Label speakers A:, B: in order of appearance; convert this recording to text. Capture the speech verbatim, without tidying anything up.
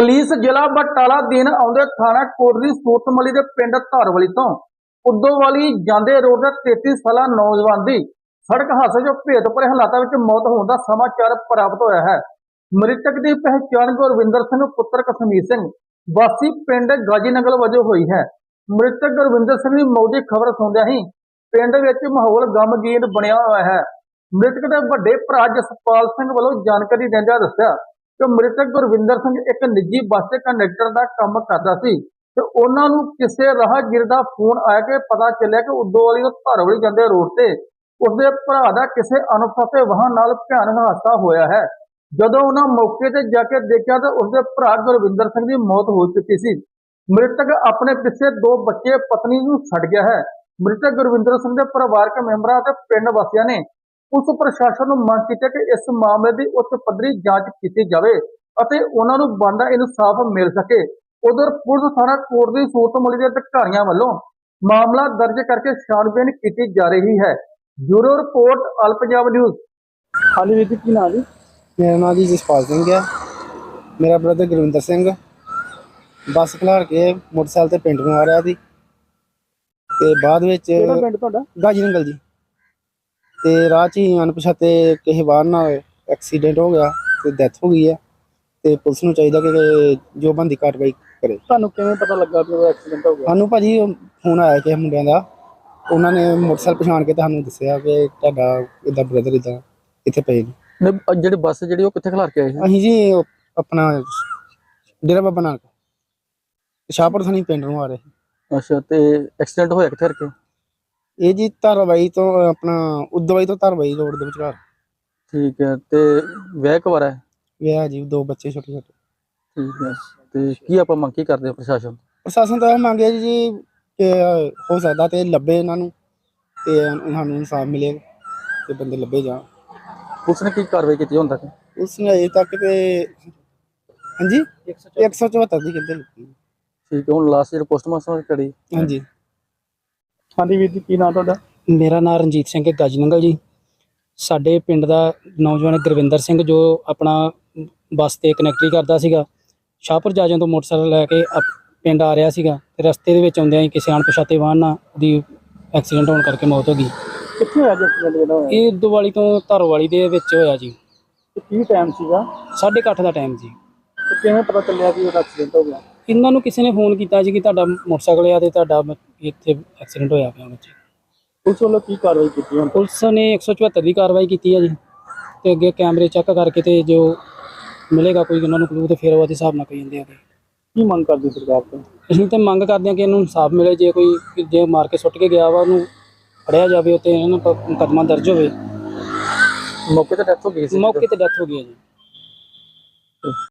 A: Police जिला बटाला दिन आउंदे थाना कोटली सूरतमली के पिंड धारवली तो उदोवाली जांदे रोड का तैंतीस साला नौजवान की सड़क हादसे जो भेद भरे हालातों में मौत होने का समाचार प्राप्त होया है। मृतक की पहचान गुरविंदर सिंह पुत्र कश्मीर सिंह वासी पिंड गाजीनगर वजों हुई है। मृतक गुरविंदर सिंह की मौत की खबर सुनदे ही पिंड विच माहौल गमगीन बनया हुआ है। मृतक के वड्डे भरा जसपाल सिंह वालों जानकारी दिंदे दस्सिया कि मृतक गुरविंदर सिंह एक निजी बस कंडक्टर का काम करता सी ते उन्हां नूं किसी राहगीर का फोन आया कि पता चलिया कि उदोवाली तो धारवली जांदे रोड ते उसके भरा का किसी अनपछाते वाहन नाल भयानक हादसा होया है। जदों उन्हां मौके ते जाके देखा तो उसके भरा गुरविंदर सिंह की मौत हो चुकी सी। मृतक अपने पिछे दो बच्चे पत्नी नूं छड्ड गया है। मृतक गुरविंदर सिंह के परिवारक मैंबरां ते पिंड वासियां ने पुलिस प्रशासन को मांग की कि इस मामले की उच्च पद्धरी जांच की जाए और उन्होंने बनता इंसाफ मिल सके। उधर पुलिस थाना कोटली सूरतमली के अधिकारियों वालों मामला दर्ज करके छानबीन की जा रही है। Bureau report all Punjab news.
B: हाँ जी वीर जी की नाम जी?
C: मेरा नाम जी जसपाल सिंह है। मेरा ब्रदर गुरविंदर सिंह बस खलार के मोटरसाइकिल ते पिंड नूं आ रहा सी ते बाद विच
B: ਕਿਹੜਾ ਪਿੰਡ ਤੁਹਾਡਾ?
C: गाजी नंगल जी ते राह च ही अनपछाते किसी वाहन नाल एक्सीडेंट हो गया ते डेथ हो गई है ते पुलिस नूं चाहीदा कि जो बनदी कार्रवाई करे।
B: ਤੁਹਾਨੂੰ ਕਿਵੇਂ ਪਤਾ ਲੱਗਾ ਕਿ ਉਹ ਐਕਸੀਡੈਂਟ ਹੋ ਗਿਆ?
C: सानूं भाजी फोन आया कि मुंडियां दा उन्हां ने मोटरसाइकिल पछाण के सानूं दस्सिया कि तुहाडा इदां ब्रदर इदां इत्थे पए ने।
B: ਨਹੀਂ ਅਹ ਜਿਹੜੀ ਬੱਸ ਜਿਹੜੀ ਉਹ ਕਿੱਥੇ ਖਲਾਰ ਕੇ ਆਏ ਸੀ?
C: ਅਸੀਂ ਜੀ अपना डेरा बाबा नानक शाहपुर थानी पिंड नूं आ रहे ਸੀ।
B: ਅੱਛਾ ਤੇ ਐਕਸੀਡੈਂਟ ਹੋਇਆ ਕਿੱਥੇ ਕਰਕੇ?
C: ਇਹ ਜੀ ਧਾਰਾਵਾਈ ਤੋਂ ਆਪਣਾ ਉਦਵਾਈ ਤੋਂ ਧਾਰਾਵਾਈ ਰੋਡ ਦੇ ਵਿਚਕਾਰ।
B: ਠੀਕ ਹੈ ਤੇ ਵਿਆਹ ਕਵਾਰਾ ਹੈ?
C: ਵਿਆਹ ਜੀ ਦੋ ਬੱਚੇ ਛੋਟੇ ਛੋਟੇ।
B: ਠੀਕ ਹੈ ਤੇ ਕੀ ਆਪਾਂ ਮੰਗ ਕੀ ਕਰਦੇ ਹਾਂ ਪ੍ਰਸ਼ਾਸਨ?
C: ਪ੍ਰਸ਼ਾਸਨ ਤੋਂ ਇਹ ਮੰਗਿਆ ਜੀ ਕਿ ਹੋ ਸਕਦਾ ਤੇ ਲੱਭੇ ਇਹਨਾਂ ਨੂੰ ਤੇ ਸਾਨੂੰ ਇਨਸਾਫ ਮਿਲੇ ਤੇ ਬੰਦੇ ਲੱਭੇ ਜਾਣ।
B: ਪੁਲਿਸ ਨੇ ਕੀ ਕਾਰਵਾਈ ਕੀਤੀ ਹੁਣ ਤੱਕ?
C: ਉਸ ਨੇ ਅਜੇ ਤੱਕ ਤੇ ਹਾਂਜੀ ਇੱਕ ਸੌ ਚੁਹੱਤਰ ਦੀ ਕਹਿੰਦੇ ਲੱਗੀ।
B: ਠੀਕ ਹੈ ਹੁਣ ਲਾਸਟ ਜਿਹੜਾ ਪੋਸਟਮਾਰਟਮ ਕਰੀ?
C: ਹਾਂਜੀ।
B: ਹਾਂਜੀ ਵੀਰ ਜੀ ਕੀ ਨਾਮ ਤੁਹਾਡਾ?
D: ਮੇਰਾ ਨਾਮ ਰਣਜੀਤ ਸਿੰਘ ਹੈ ਗਾਜੀ ਨੰਗਲ ਜੀ। ਸਾਡੇ ਪਿੰਡ ਦਾ ਨੌਜਵਾਨ ਗੁਰਵਿੰਦਰ ਸਿੰਘ ਜੋ ਆਪਣਾ ਬੱਸ ਤੇ ਕਨੈਕਟਰੀ ਕਰਦਾ ਸੀਗਾ, ਸ਼ਾਹਪੁਰ ਜਾਜਾਂ ਤੋਂ ਮੋਟਰਸਾਈਕਲ ਲੈ ਕੇ ਅਪ- ਪਿੰਡ ਆ ਰਿਹਾ ਸੀਗਾ ਤੇ ਰਸਤੇ ਦੇ ਵਿੱਚ ਆਉਂਦਿਆਂ ਹੀ ਕਿਸੇ ਅਣਪਛਾਤੇ ਵਾਹਨ ਨਾਲ ਉਹਦੀ ਐਕਸੀਡੈਂਟ ਹੋਣ ਕਰਕੇ ਮੌਤ ਹੋ ਗਈ।
B: ਕਿੱਥੇ ਹੋਇਆ ਜੀ ਐਕਸੀਡੈਂਟ ਜਿਹੜਾ ਹੋਇਆ?
D: ਇਹ ਦੁਵਾਲੀ ਤੋਂ ਧਾਰੋਵਾਲੀ ਦੇ ਵਿੱਚ ਹੋਇਆ ਜੀ।
B: ਤੇ ਕੀ ਟਾਈਮ ਸੀਗਾ
D: ਸਾਢੇ ਕੁ ਅੱਠ ਦਾ ਟਾਈਮ ਜੀ।
B: ਤੇ ਕਿਵੇਂ ਪਤਾ ਚੱਲਿਆ ਕਿ ਉਹਦਾ ਐਕਸੀਡੈਂਟ ਹੋ ਗਿਆ?
D: ਇਹਨਾਂ ਨੂੰ ਕਿਸੇ ਨੇ ਫੋਨ ਕੀਤਾ ਜੀ ਕਿ ਤੁਹਾਡਾ ਮੋਟਰਸਾਈਕਲ ਆ ਤੇ ਤੁਹਾਡਾ ਬ- ਇੱਥੇ ਐਕਸੀਡੈਂਟ ਹੋਇਆ ਪਿਆ ਬੱਚੇ।
B: ਪੁਲਿਸ ਵੱਲੋਂ ਕੀ ਕਾਰਵਾਈ ਕੀਤੀ ਹੁਣ?
D: ਪੁਲਿਸ ਨੇ ਇੱਕ ਸੌ ਚੁਹੱਤਰ ਦੀ ਕਾਰਵਾਈ ਕੀਤੀ ਹੈ ਜੀ ਤੇ ਅੱਗੇ ਕੈਮਰੇ ਚੈੱਕ ਕਰਕੇ ਤੇ ਜੋ ਮਿਲੇਗਾ ਕੋਈ ਉਹਨਾਂ ਨੂੰ ਕਲੂ ਤੇ ਫਿਰ ਉਹਦੇ ਹਿਸਾਬ ਨਾਲ ਕਹੀ ਜਾਂਦੇ ਆ।
B: ਕੀ ਮੰਗ ਕਰਦੀ ਸਰਕਾਰ ਤੋਂ?
D: ਅਸੀਂ ਤਾਂ ਮੰਗ ਕਰਦੇ ਹਾਂ ਕਿ ਇਹਨੂੰ ਇਨਸਾਫ ਮਿਲੇ। ਜੇ ਕੋਈ ਜੇ ਮਾਰ ਕੇ ਸੁੱਟ ਕੇ ਗਿਆ ਵਾ ਉਹਨੂੰ ਫੜਿਆ ਜਾਵੇ ਤੇ ਇਹਨਾਂ ਨੂੰ ਮੁਕੱਦਮਾ ਦਰਜ ਹੋਵੇ।
B: ਮੌਕੇ ਤੇ ਡੈਥ ਹੋ ਗਈ ਸੀ?
D: ਮੌਕੇ ਤੇ ਡੈਥ ਹੋ ਗਈ ਹੈ ਜੀ।